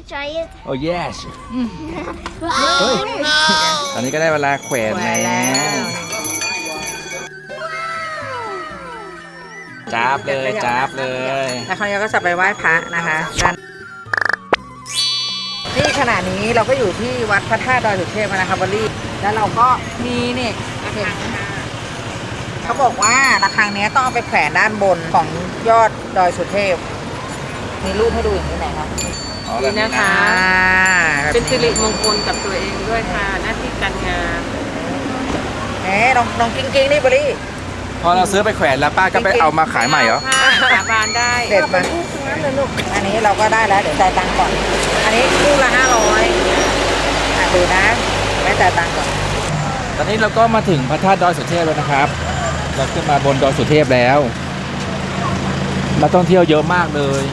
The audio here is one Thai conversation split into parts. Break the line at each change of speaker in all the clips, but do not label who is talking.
try it?
โอ้ yes เฮ้ยตอนนี้ก็ได้เวลาแขวนแล้วจับเลยจับเลย
แล้วคราวนี้ก็จะไปไหว้พระนะคะนี่ขณะนี้เราก็อยู่ที่วัดพระธาตุดอยสุเทพนะคะบอลลี่แล้วเราก็มีนี่เขาบอกว่าระฆังนี้ต้องเอาไปแขวนด้านบนของยอดดอยสุเทพมีรูปให้ดูอย่างนี้ไหนคะ
นี่นะคะ เป็นสิริมงคลกับตัวเองด้วยค่ะ หน้าที่การงาน
น้องกิ้งนี่บอลลี่
พอเราซื้อไปแขวนแล้วป้าก็ไปเอามาขายใหม่เหรอ
ค่ะสาบานได้
เด็ดมาอันนี้เราก็ได้แล้วเดี๋ยวจ่ายตังค์ก่อนอันนี้คู่ละ500ดูนะไม่จ่ายตังค์ก่อน
ตอนนี้เราก็มาถึงพระธาตุดอยสุเทพแล้วนะครับ เราขึ้นมาบนดอยสุเทพแล้วนักท่องเที่ยวเยอะมากเลย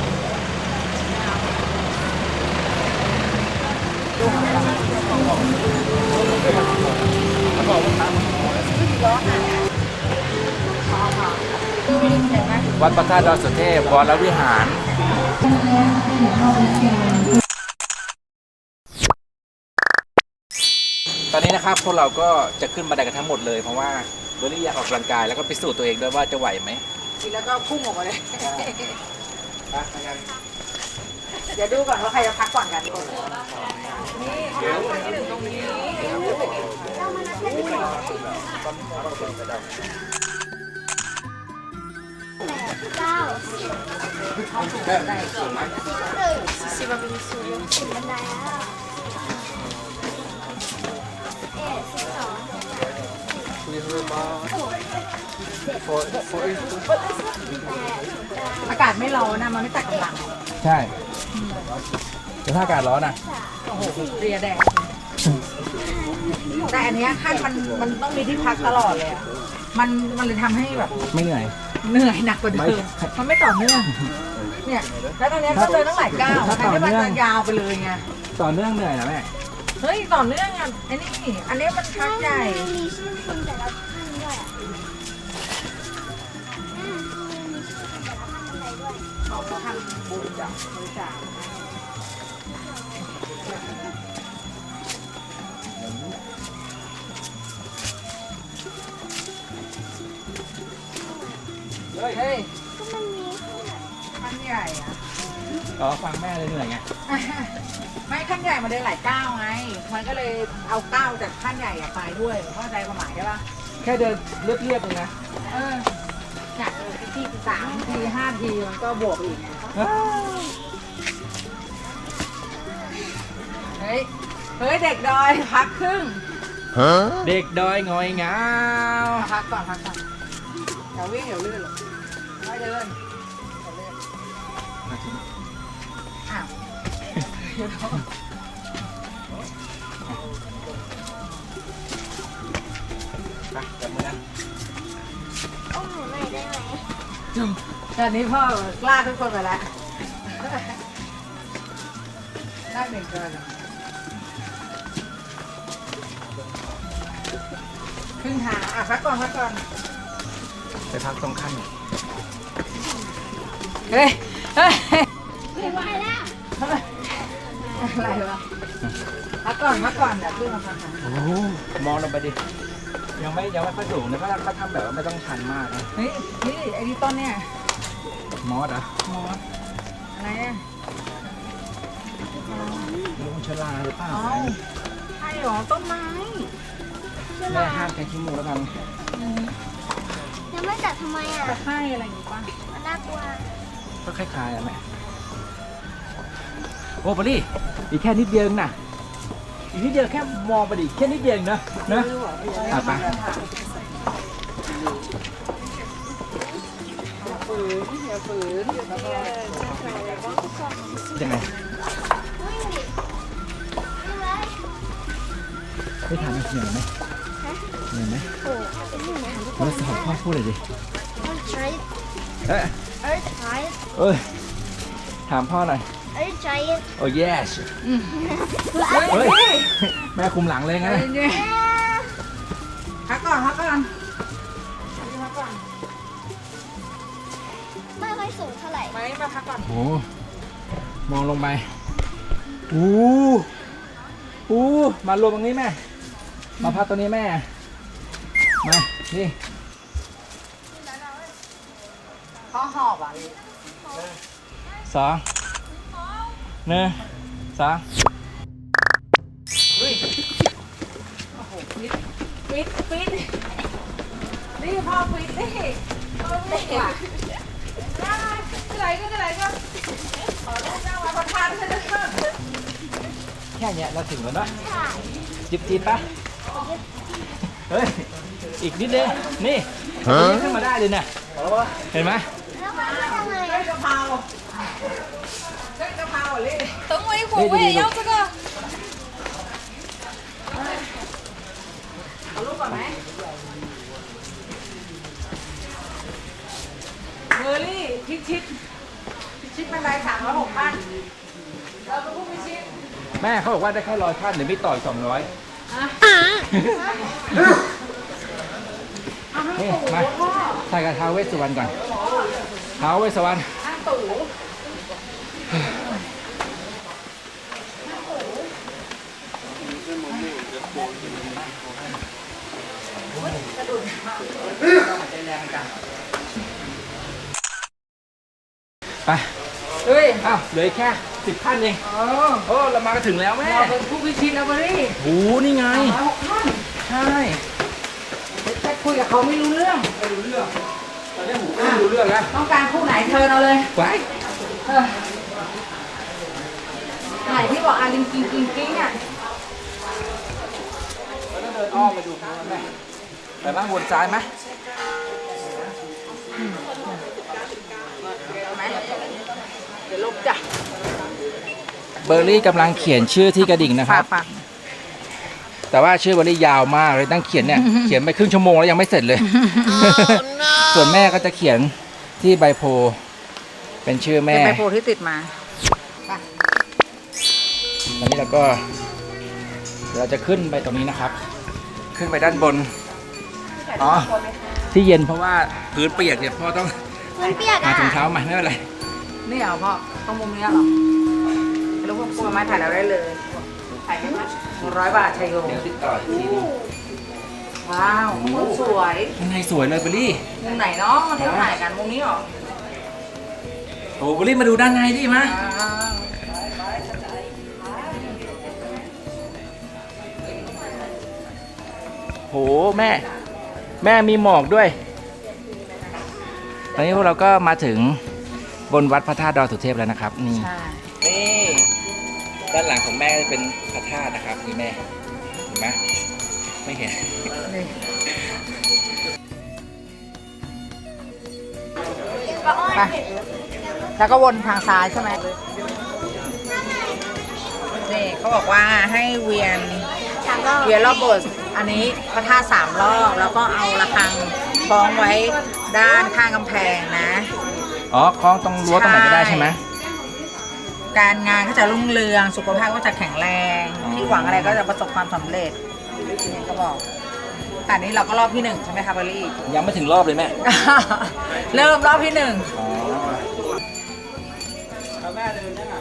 วัดพระธาตุดอยสุเทพวรวิหารตอนนี้นะครับพวกเราก็จะขึ้นบันไดกันทั้งหมดเลยเพราะว่าเบอร์รี่อยากออกกำลังกายแล้วก็พิสูจน์ตัวเองด้วยว่าจะไหวไหม
ทีแล้วก็พุ่งออกมาเลยเดี๋ยวดูก่อนว่าใครจะพักก่อนกันนี่ที่หนึ่งตรงนี้อากาศไม่ร้อนนะมันไม่ตัดกำลัง
ใช่แต่ถ้าอากาศร้อนอ่ะ
โอ้โหเรียแดงแต่อันเนี้ยขั้นมันต้องมีที่พักตลอดเลยอ่ะมันเลยทำให้แบบ
ไม่เหนื่อย
เหนื่อยหนักกว่าเดิมมันไม่ต่อเนื่องเนี่ยแล้วตอนนี้ก็เดินตั้งหลายก้าวแทนที่มันจะยาวไปเลยไง
ต่อเนื่องเหนื่อยนะแม่
เฮ้ยต่อเนื่องอ่ะอันนี้มันพักใหญ่
มีชื่อคนแต่ละท่านด้วยอ่ะมีชื่อคนแต่ละท่านอะไรด้วย
เขาก็ทำบุญจากบริจาคเฮ้ย
ก็มันมี
ขั้นใหญ่อะ
อ๋อฟังแม่เลยเหนื่อยไง
ไม่ขั้นใหญ่มันเดินหลายก้าวไง มันก็เลยเอาก้าวจากขั้นใหญ่อะไปด้วยเข้าใจความหมายใช่ปะ
แค่เดินเรียบๆเองนะ
จากที่3 ที 5 ทีมันก็บวกอีกเฮ้ยเด็กดอยพักครึ่ง
เด็กดอยงอยงาว
พักก่อนเดี๋ยววิ่งเดี๋ยวลื่นหรอกไม่เดินอ้าว
ไปจับมือนะ
โอ้หนูหน่อยได้ไหม
ตอนนี้พ่อกล้าทุกคนไปแล้วได้หนึ่งเกินครึ่งทางพักก่อน
ไปพักตรงขั้น
เฮ้ย
ไม่ไหวแล้ว
อะไรวะพักก่อนเดี๋ยวขึ้นมาพักกัน
โอ้โหมองลงไปดิยังไม่ค่อยสูงนะเขาทำแบบว่าไม่ต้องชันมากนะ
เฮ้ยนี่ไอ้นี่ต้นเนี่ย
มอสอ่ะ
หมออะไรอ่ะ
ลุงชลาหรือเปล่า
เอ้าใช่หรอต้นไม้
แม่ห้ามใช้ขี้มูกแล้วกัน
ยังไม่จัดทำไมอ่ะ
ตะไคร้อะไรอย่างงี้ป่ะ
มันน่ากลัว
ก็คล้ายๆอ่ะแม่โอ้บอลลี่อีกแค่นิดเดียวนะอีกนิดเดียวแค่มองไปดิแค่นิดเดียวนะไป
อย่าฝืน
ยังไง
วิ่งดิวิ่งเลย
ไม่ทำเหนื่อยไหมเหนื่อยไหม
โอ้เป็นหนึ่งนะทุกค
แล้ว
น
สอนพ่อพูดเลยดิ
I'll try it
เอ้ย
I'll try it
เอ้ยถามพ่อหน่อย
I'll try it
โอ้ yes เฮ้ยแม่คุมหลังเลยไง
พักก่อน
ไม่ค่อยสูงเท่าไหร่
ไม่มาพักก่อน
โอ้มองลงไปมารวมตรงนี้แม่มาพักตรงนี้แม่มานี่
ข้อหอบอ่ะ
2 1 2
ฟิตนี่พ่อฟิตนี่พ่อฟิตว่ะได้ก็ขอลูกนั่งมาประทานใช่ไหม
แค่เนี้ยเราถึงแล้วเนาะจิบปะเฮ้ยอีกนิดเดียวนี่ขึ้นมาได้เลยเนี่ยเห็นไหม
แล้วมันจะทำไง
กะเพราเลย
等我一会儿，我也要这个。
เอาลูกก่อนไหมเบอร์รี่พิชิตบันได360ขั้นเราเป็นผู้พิชิต
แม่เขาบอกว่าได้แค่100ขั้นเดี๋ยวไม่ต่อย200นี่มาใส่กระท้าวเวสสุวรรณก่อนท้าวเวสสุวรรณ
ข้างตู่
ไป
เฮ้ย
อ้าวเหลือแค่10ขั้นเองโอ้เรามาก็ถึงแล้วแม่
เราเป็นผู้พิชิตแล้วเบอร์รี่
โอ้นี่ไง
360ขั้น
ใช่
แต่คุยกับเขาไม่รู้เรื่อง
ไม่รู้เรื่องตอนนี้หูไม่รู้เรื่องแล้ว
ต้องการคู่ไหนเชิญเอาเลย
ไป
ไหนที่บอกอาลิงกิ้งอ่ะ
เราต้องเดินอ้อมไปดูเขาแม่ไปบ้างวนซ้ายไหม
เดี๋ยวลบจ้ะ
เบอร์รี่กำลังเขียนชื่อที่กระดิ่งนะครับ
ฝาก
แต่ว่าชื่อเบอร์รี่ยาวมากเลยตั้งเขียนเนี่ย เขียนไปครึ่งชั่วโมงแล้วยังไม่เสร็จเลย ส่วนแม่ก็จะเขียนที่ใบโพลเป็นชื่อ
เป็
แม่
นใบโพที่ติดมา
ตอนนี้เราก็เราจะขึ้นไปตรงนี้นะครับ ขึ้นไปด้านบนอ๋อที่เย็นเพราะว่าพื้นเปียกเนี่ยพ่อต้อง
มันเปียก
หา
อ่ะ
ถุงเท้ามาไม่เป็นไร
นี่เหรอพ่อต้องมุมนี้เหรอแล้วพวกกลัวไม้ถ่ายเราได้เลยถ่ายแค่ไหม100 บาทชัยโย
เดี๋ยวติดต่ออีกทีนึง
ว้าวมุมสวย
ข้างในสวยเลยเบอร์รี่
มุมไหนเนาะที่เราถ่ายกันมุมนี้เหรอ
โอ้เบอร์รี่มาดูด้านในดิมาโหแม่มีหมอกด้วยตอนนี้พวกเราก็มาถึงบนวัดพระธาตุดอยสุเทพแล้วนะครับนี่
ใช่
นี่ด้านหลังของแม่จะเป็นพระธาตุนะครับนี่แม่เห็นไหมไม่เห็น
นี่ ไปแล้วก็วนทางซ้ายใช่ไหมนี่เขาบอกว่าให้เวียน
3 รอบ
เวียนรอบโบสถ์อันนี้พระธาตุ3 รอบแล้วก็เอาระฆังคล้องไว้ด้านข้างกำแพงนะ
อ๋อคล้องตรงรั้วตรงไหนก็ได้ใช่ไหม
การงานก็จะรุ่งเรืองสุขภาพก็จะแข็งแรง
อ๋อ
ที่หวังอะไรก็จะประสบความสำเร็จนี่ก็บอกแต่นี้เราก็รอบที่ 1ใช่ไหมคะเบอร์รี่
ยังไม่ถึงรอบเลยแม่
เริ่มรอบที่ 1
อ๋อแม่เดินยังอ่ะ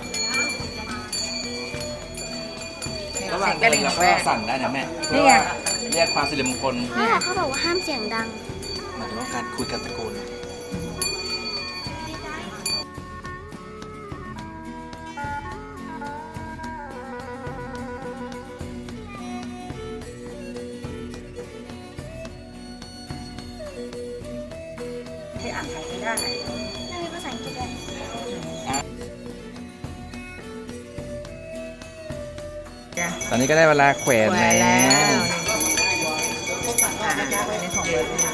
เสียงกระดิ่ง
เรา
ของ
ก็
แม่
สั่นได้นะแม่
นี่ไง
เรียกความสิริมงคล
เขาบอกว่าห้ามเสียงดัง
หมายถึงว่าการคุยกันตะโกน
ที่อ่านไทยไม่ได้
ไม่มีภาษาอังกฤษเลย
ตอนนี้ก็ได้เวลาแขวน
แหวนแล้
แล้ว ว
นี่ของเบอร์รี่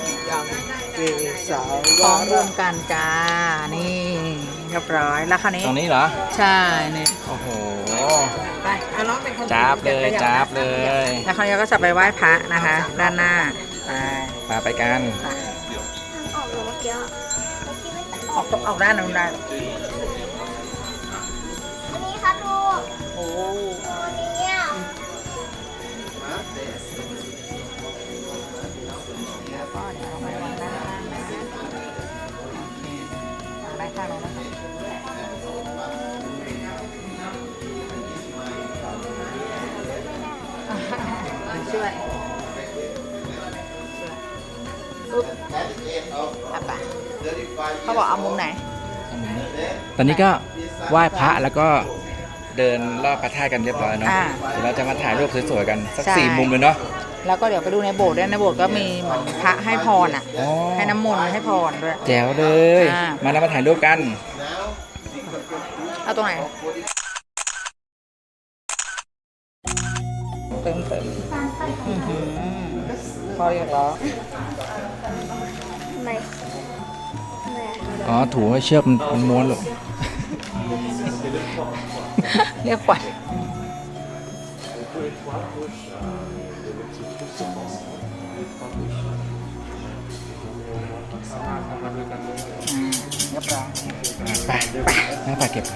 พร้อมรวมกันจ้า นี่เรียบร้อย แล้วคราวนี้
ตรงนี้เหรอ
ใช่นี่
โอ้โห
ไปเอาน้องเป็นคน
จับเลยจับเลย
แล้วคราวนี้ก็จะไปไหว้พระนะคะ ด้านหน้า
ไปกัน
ทางออกเมื่อกี้อะ
ออกด้านนู้นได้
อันนี้ครับลูก
โอ้
อันนี้อ่ะ
ก็เดี๋ยวเอาไปวางด้านล่างนะวางได้ข้างนู้นนะคะช่วยปุ๊บเอาไปเขาบอกเอามุมไหน
ตอนนี้ก็ไหว้พระแล้วก็เดินรอบพระธาตุกันเรียบร้อยเนาะ
อ่า
เดี๋ยวเราจะมาถ่ายรูปสวยๆกันสัก
ใช่
4 มุมเลยเนาะ
แล้วก็เดี๋ยวไปดูในโบสถ์ด้วยในโบสถ์ก็มีเหมือนพระให้พรอ่ะ
อ๋อ
ให้น้ำมนต์ให้พรด้วย
แจ๋วเลย
อ่า
มาแล้วมาถ่ายรูปกัน
เอาตรงไหนเต็มพอเรียกแล้ว
ทำไมทำไมอะ
อ๋อถูให้เชือกมันม้วนหรอ
เรียกขวัญเรียบร้อย
ไปนั่งไปเก็บ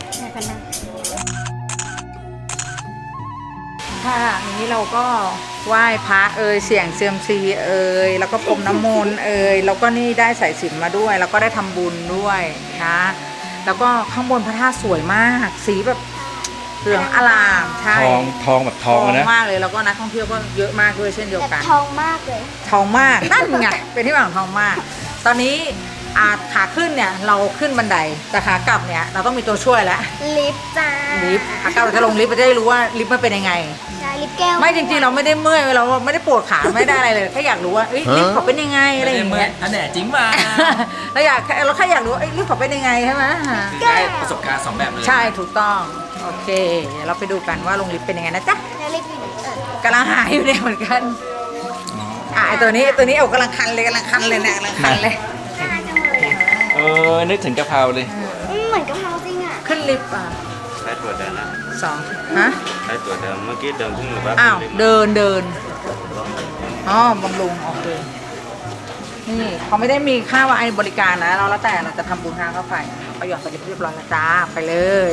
ค่ะนี้เราก็ไหว้พระเสี่ยงเซียมซีแล้วก็พรมน้ำมนต์แล้วก็นี่ได้สายสิญจน์มาด้วย แล้วก็ได้ทำบุญด้วยนะแล้วก็ข้างบนพระธาตุสวยมาก สีแบบเหลืองอลามใช่
ทองแบบทองนะ
มากเลยแล้วก็นักท่องเที่ยวก็เยอะมากด้วยเช่นเดียว
แต่
กัน
ทองมากเลย
ทองมากนั่นไงเป็นที่มาของทองมาก ตอนนี้ขาขึ้นเนี่ยเราขึ้นบันไดแต่ขากลับเนี่ยเราต้องมีตัวช่วยแล้ว
ลิฟต์จ้า
ลิฟต์ขากลับเราจะลงลิฟต์เราจะได้รู้ว่าลิฟต์มันเป็นยังไง
ใช่ลิฟต์แก้ว
ไม่จริงๆเราไม่ได้เมื่อยเราไม่ได้ปวดขาไม่ได้อะไรเลยแค่อยากรู้ว่าลิฟต์เขาเป็นยังไงอะไรอย่างเงี้ย
อันแหนจริงมา
เราแค่อยากรู้ว่าลิฟต์เขาเป็นยังไงใช่ไหม
ได้ประสบการณ์2แบบเลย
ใช่ถูกต้องโอเคเดี๋ยวเราไปดูกันว่าลงลิฟต์เป็นยังไงนะจ๊ะ
แล้วลิฟต์อยู่ไหน
กำลังหาอยู่เนี่ยเหมือนกันไอตัวนี้เอากำลังคันเลยเนี่ยกำลังคันเลย
น่ารักจังเลยอะ
นึกถึงกะเพราเลย
เหมือนกะเพราจริงอ่ะ
ขึ้นลิฟต์
ใช้ตัวเดินนะ
2ฮะ
ใช้ตัวเดิมเมื่อกี้เดินขึ้นหรือว่า
อ้าว
ขึ้น
เดินอ๋อบำรุงโอเคนี่เขาไม่ได้มีค่าว่าไอ้บริการนะเราแล้วแต่เราจะทำบุญทางเข้าไปไปหยอดไปเรียบร้อยแล้วจ้าไปเลย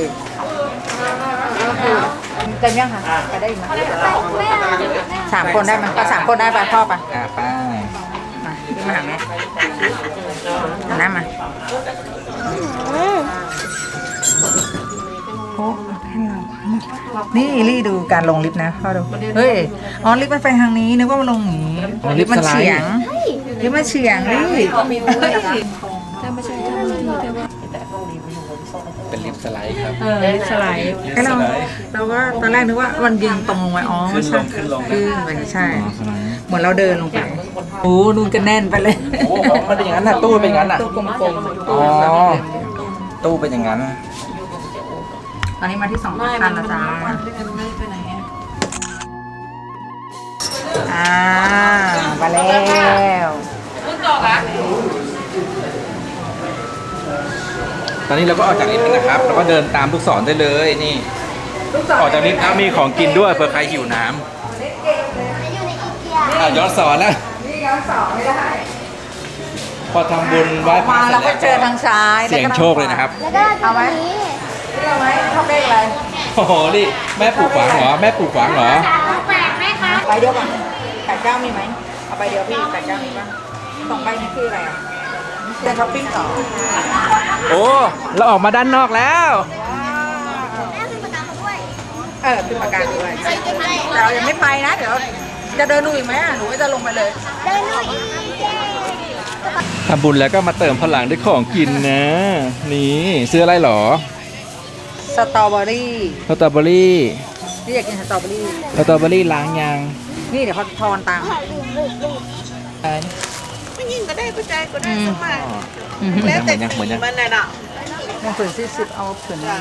เต็มยังคะไปได้อีกไหม
ไม่เอาไม่เอา
3 คนได้ไหมก็3 คนได้ไปพ่อไป
ไป
มาพี่มาหาแม่หันหน้ามาโอ้ให้เรานี่ลี่ดูการลงลิฟต์นะพ่อดูเฮ้ยอ๋อลิฟต์มันไปทางนี้นึกว่ามันลงอย่างนี้ลิฟต์มันเฉียงลิฟต์มันเฉียงลี่
เป็นลิฟต์สไลด์ครับ
ลิฟต์สไลด์ไอ้เราก็ตอนแรกนึกว่ามันยืนตรงลงไปอ๋อไม่ใช่ขึ้นไปใช่ เหมือนเราเดินลงไปโอ้ดูกันแน่นไปเลย
โอ้มันเป็นอย่างนั้นน่ะตู้เป็นอย่างนั้นน่ะ
ตู้กลมๆ
อ๋อตู้เป็นอย่างนั้น
ตอนนี้มาที่2คันแล้วจ้ามาแล้ว
ตอนนี้เราก็ออกจากลิฟต์แล้วนะครับเราก็เดินตามลูกศรได้เลยนี่ออกจากลิฟต์แล้วมีของกินด้วยเผื่อใครหิวน้ำ
อยู่ในอีเกีย
ย้อนสอนแล้ว
นี่ย้อนสองไม่ได้
พอทำบุญไหว้พระ
มา
เสร็
เรา
จ
ก็
แล้ว
เจอทางซ้าย
เสี่ยงโชคเลยนะครับ
แล้วก็ตรงนี้
เอาไหมชอบเลขอะไร
โอ้โหนี่แม่ปลูกฝังเหรอแม่ปลูกฝังเหรอ
แปลกไหมคะ
ใบเดียวก่อน89มีไหมเอาใบเดียวพี่89มีป่ะ2ใบนี้คืออะไรอ่ะเดินช้อปปิ้งต่อ
โอ้เราออกมาด้านนอกแล้ว
แม่เป็นประกันเขาด้วย
ขึ้นประกันด้วย
ไปกินอะไร
แต่เรายังไม่ไปนะเดี๋ยวจะเดินดูอีกไหมหนูก็จะลงไปเลย
เดินลุยอีเกีย
ทำบุญแล้วก็มาเติมพลังด้วยของกินนะ นี่ซื้ออะไรเหรอ
สตรอเบอรี่
สตรอเบอรี่
นี่อยากกินสตรอเบอรี่
สตรอเบอรี่ล้างยาง
นี่เดี๋ยวเขาทอนตังค์
ไม่ยิงก็ได้ผู้ใจก็ได้สมัคร
เหมือนยังเหมือนยัง
มันน่ะเนาะ
มันผืน40เอาผืนนี้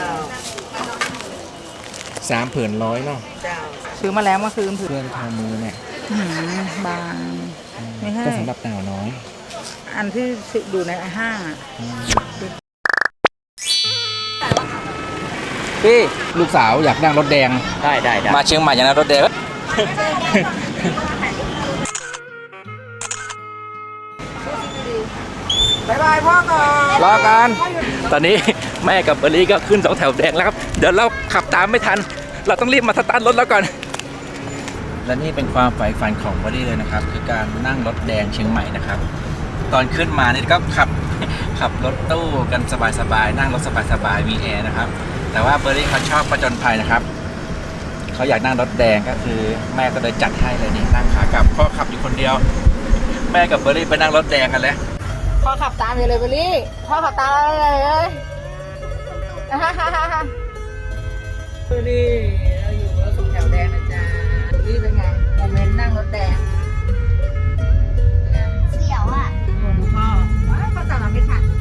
3 ผืนร้อยเนาะ
เจ้า
ซื้อมาแล้วเมื่อคืนผืน
เพื่อนทามือเนี่ย
บางไม่ใช่
ก็สำหรับหนาวน้อย
อันที่อยู่ในห้างอ่ะ
พี่ลูกสาวอยากนั่งรถแดง
ได้
มาเชียงใหม่อยากนั่งรถแดง
บายบายพ่อก่อน
รอกันตอนนี้แม่กับเบอร์รี่ก็ขึ้น2 แถวแดงแล้วครับเดี๋ยวเราขับตามไม่ทัน เราต้องรีบมาสตาร์ทรถแล้วก่อนและนี่เป็นความใฝ่ฝันของเบอร์รี่เลยนะครับคือการนั่งรถแดงเชียงใหม่นะครับตอนขึ้นมานี่ก็ขับรถตู้กันสบายๆนั่งรถสบายๆมีแอร์นะครับแต่ว่าเบอร์รี่เขาชอบประจนภัยนะครับเขเขาอยากนั่งรถแดงก็คือแม่ก็เลยจัดให้เลยนี่นั่งขากลับพ่อขับอยู่คนเดียว แม่กับเบอร์รี่ไปนั่งรถแดงกันแล้ว
พ่อขับตามอยู่เลยเบลลี่พ่อขับตามเลยเอ้ยเบลลี่เราอยู่รถสองแถวแดงนะจ๊ะเบลลี่เป็นไงโมเมนต์นั่งรถแดง
เสียวอ่ะ
โอ้โหพ่อว้าวพ่อตามมาไม่ทัน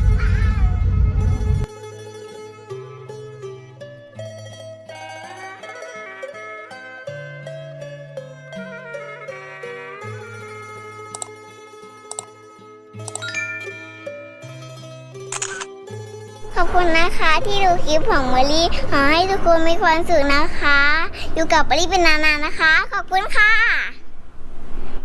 ขอบคุณนะคะที่ดูคลิปของเมอรี่ขอให้ทุกคนมีความสุขนะคะ อยู่กับเมอรี่เป็นนานๆนะคะ ขอบคุณค่ะ